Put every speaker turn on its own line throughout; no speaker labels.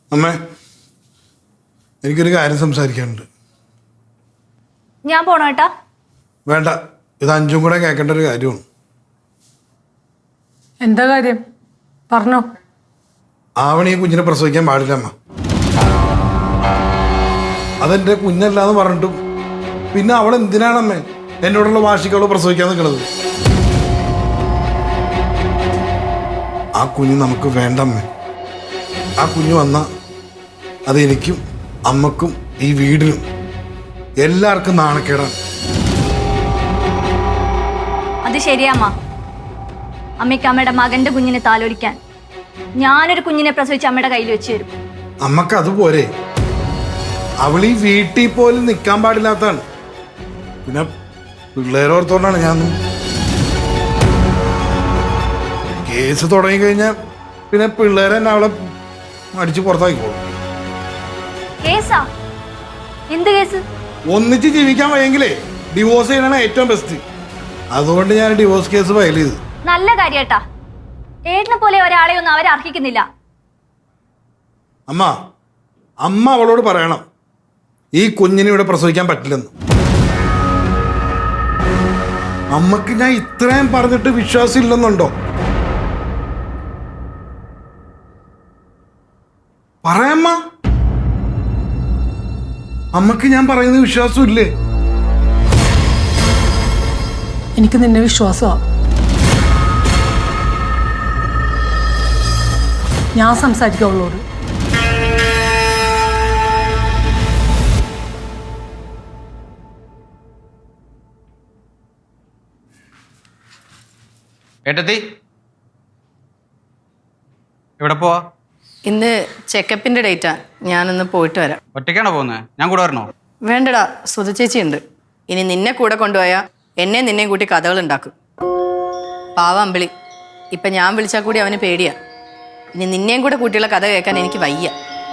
അമ്മേ, എനിക്കൊരു കാര്യം സംസാരിക്കാനുണ്ട്.
ഞാൻ പോണോ ഏട്ടാ?
വേണ്ട, ഇത് അഞ്ചും കൂടെ കേൾക്കേണ്ട ഒരു കാര്യമാണ്.
എന്താ കാര്യം പറഞ്ഞോ.
ആവണി കുഞ്ഞിനെ പ്രസവിക്കാൻ പാടില്ല അമ്മ. അതെന്റെ കുഞ്ഞല്ലാന്ന് പറഞ്ഞിട്ടും പിന്നെ അവൾ എന്തിനാണമ്മേ എന്നോടുള്ള വാശിക്ക് അവള് പ്രസവിക്കാൻ നിൽക്കുന്നത്? ആ കുഞ്ഞ് നമുക്ക് വേണ്ടമ്മേ. ആ കുഞ്ഞ് വന്ന അത് എനിക്കും അമ്മക്കും ഈ വീടിനും എല്ലാവർക്കും നാണക്കേടാണ്.
അത് ശരിയാമ്മ. അമ്മയ്ക്ക് അമ്മയുടെ മകന്റെ കുഞ്ഞിനെ താലോലിക്കാൻ ഞാനൊരു കുഞ്ഞിനെ പ്രസവിച്ച് അമ്മയുടെ കയ്യിൽ വെച്ച് തരും.
അമ്മക്ക് അതുപോലെ അവൾ ഈ വീട്ടിൽ പോലും നിൽക്കാൻ പാടില്ലാത്തതാണ്. പിന്നെ പിള്ളേരോർത്തോണ്ടാണ് ഞാൻ കേസ് തുടങ്ങിക്കഴിഞ്ഞാൽ പിന്നെ പിള്ളേരെ തന്നെ അവളെ അടിച്ച് പുറത്താക്കിക്കോളും.
കേസാ? എന്ത് കേസ്?
ഒന്നിച്ച് ജീവിക്കാൻ വയ്യെങ്കിലേ ഡിവോഴ്സ് ചെയ്യണതാണ് ഏറ്റവും ബെസ്റ്റ്. അതുകൊണ്ട് ഞാൻ ഡിവോഴ്സ് കേസ് ഫയൽ ചെയ്തു.
നല്ല കാര്യേട്ടാ. ഏട്ടനെ പോലെ ഒരാളെ ഒന്നും അവർ അർഹിക്കുന്നില്ല.
അമ്മ അമ്മ അവളോട് പറയണം ഈ കുഞ്ഞിനെ ഇവിടെ പ്രസവിക്കാൻ പറ്റില്ലെന്ന്. അമ്മക്ക് ഞാൻ ഇത്രയും പറഞ്ഞിട്ട് വിശ്വാസം ഇല്ലെന്നുണ്ടോ? പറയമ്മ. അമ്മക്ക് ഞാൻ പറയുന്ന വിശ്വാസം ഇല്ലേ?
എനിക്ക് നിന്നെ വിശ്വാസമാണ്. ഞാൻ സംസാരിക്കാം അവളോട്.
ഏട്ടത്തി എവിടെ പോവാ?
ഇന്ന് ചെക്കപ്പിന്റെ ഡേറ്റാ. ഞാനൊന്ന് പോയിട്ട് വരാം.
ഒറ്റയ്ക്കാണോ പോകുന്നത്? ഞാൻ കൂടെ വരണോ?
വേണ്ടടാ, സുധ ചേച്ചി ഉണ്ട്. ഇനി നിന്നെ കൂടെ കൊണ്ടുപോയാൽ എന്നെ നിന്നെയും കൂട്ടി കഥകൾ ഉണ്ടാക്കും. പാവ അമ്പിളി. ഇപ്പം ഞാൻ വിളിച്ചാൽ കൂടി അവന് പേടിയാ. ഇനി നിന്നെയും കൂടെ കൂട്ടിയുള്ള കഥ കേൾക്കാൻ എനിക്ക് വയ്യ.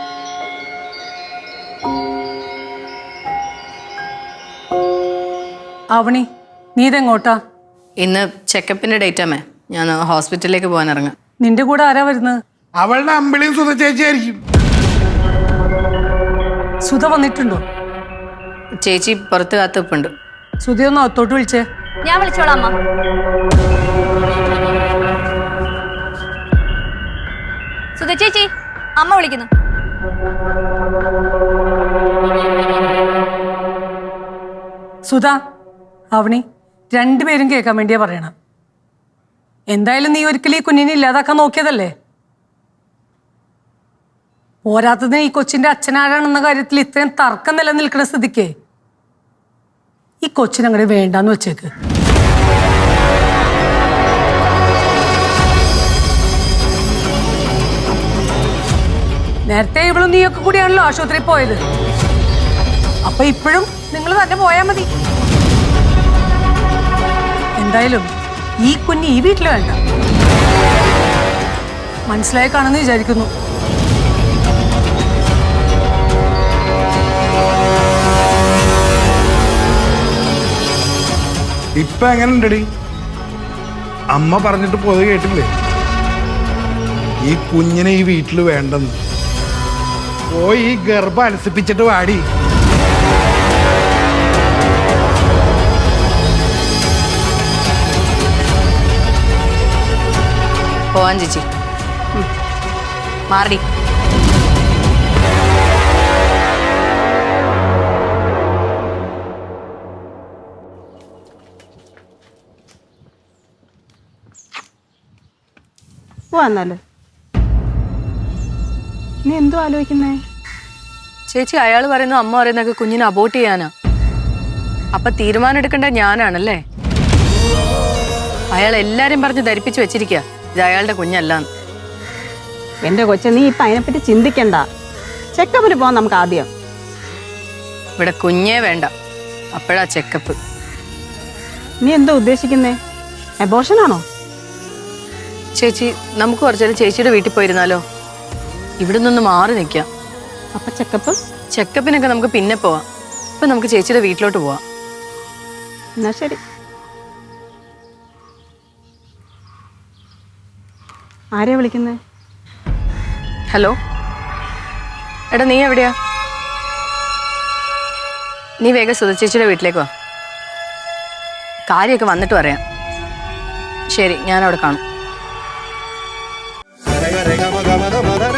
ആവണി, നീ ഇതെങ്ങോട്ടാ?
ഇന്ന് ചെക്കപ്പിന്റെ ഡേറ്റാമേ. ഞാൻ ഹോസ്പിറ്റലിലേക്ക് പോകാൻ ഇറങ്ങാം.
നിന്റെ കൂടെ ആരാ വരുന്നത്?
അവളുടെ അമ്പിളിയും സുധ ചേച്ചിയായിരിക്കും.
സുധ വന്നിട്ടുണ്ടോ?
ചേച്ചി പുറത്ത് കാത്തുപ്പുണ്ട്.
സുധയൊന്ന് അകത്തോട്ട് വിളിച്ചേ.
ഞാൻ വിളിച്ചോളാം അമ്മ. സുധ ചേച്ചി, അമ്മ വിളിക്കുന്നു.
സുധ, അവണി, രണ്ടുപേരും കേൾക്കാൻ വേണ്ടിയാ പറയണം. എന്തായാലും നീ ഒരിക്കലും ഈ കുഞ്ഞിനെ ഇല്ലാതാക്കാൻ നോക്കിയതല്ലേ? പോരാത്തതിന് ഈ കൊച്ചിന്റെ അച്ഛനാരാണെന്ന കാര്യത്തിൽ ഇത്രയും തർക്കം നിലനിൽക്കുന്ന സ്ഥിതിക്ക് ഈ കൊച്ചിനങ്ങനെ വേണ്ടാന്ന് വെച്ചേക്ക്. നേരത്തെ ഇവളും നീയൊക്കെ കൂടിയാണല്ലോ ആശുപത്രിയിൽ പോയത്. അപ്പൊ ഇപ്പോഴും നിങ്ങൾ തന്നെ പോയാൽ മതി. എന്തായാലും ഈ കുഞ്ഞ് ഈ വീട്ടിൽ വേണ്ട. മനസ്സിലായി കാണുമെന്ന് വിചാരിക്കുന്നു.
ഇപ്പൊ എങ്ങനെ ഉണ്ടടി? അമ്മ പറഞ്ഞിട്ട് പോയത് കേട്ടില്ലേ? ഈ കുഞ്ഞിനെ ഈ വീട്ടിൽ വേണ്ടെന്ന്. പോയി ഈ ഗർഭം അനുസരിപ്പിച്ചിട്ട് വാടി.
പോവാൻ ചേച്ചി. മാറി.
വന്നാലോ? നീ എന്തോ ആലോചിക്കുന്നേ?
ചേച്ചി, അയാൾ പറയുന്നു അമ്മ പറയുന്നൊക്കെ കുഞ്ഞിനെ അബോർട്ട് ചെയ്യാനാ. അപ്പൊ തീരുമാനം എടുക്കേണ്ട ഞാനാണല്ലേ? അയാൾ എല്ലാരും പറഞ്ഞ് ധരിപ്പിച്ചു വെച്ചിരിക്കുക ഇത് അയാളുടെ കുഞ്ഞല്ലാന്ന്.
എന്റെ കൊച്ചു, നീ ഇപ്പൊ അതിനെപ്പറ്റി ചിന്തിക്കണ്ട. ചെക്കപ്പിന് പോവാൻ നമുക്ക് ആദ്യം.
ഇവിടെ കുഞ്ഞേ വേണ്ട, അപ്പോഴാ ചെക്കപ്പ്.
നീ എന്തോ ഉദ്ദേശിക്കുന്നേ? അബോർഷനാണോ?
ചേച്ചി, നമുക്ക് കുറച്ചേരം ചേച്ചിയുടെ വീട്ടിൽ പോയിരുന്നാലോ? ഇവിടെ നിന്ന് മാറി നിൽക്കാം.
അപ്പൊ ചെക്കപ്പ്?
ചെക്കപ്പിനൊക്കെ നമുക്ക് പിന്നെ പോവാം. ഇപ്പൊ നമുക്ക് ചേച്ചിയുടെ വീട്ടിലോട്ട് പോവാം.
എന്നാ ശരി. ആരെയാ വിളിക്കുന്നേ?
ഹലോ, എടാ നീ എവിടെയാ? നീ വേഗം സുധ ചേച്ചിയുടെ വീട്ടിലേക്ക് വാ. കാര്യമൊക്കെ വന്നിട്ട് പറയാം. ശരി, ഞാൻ അവിടെ കാണും.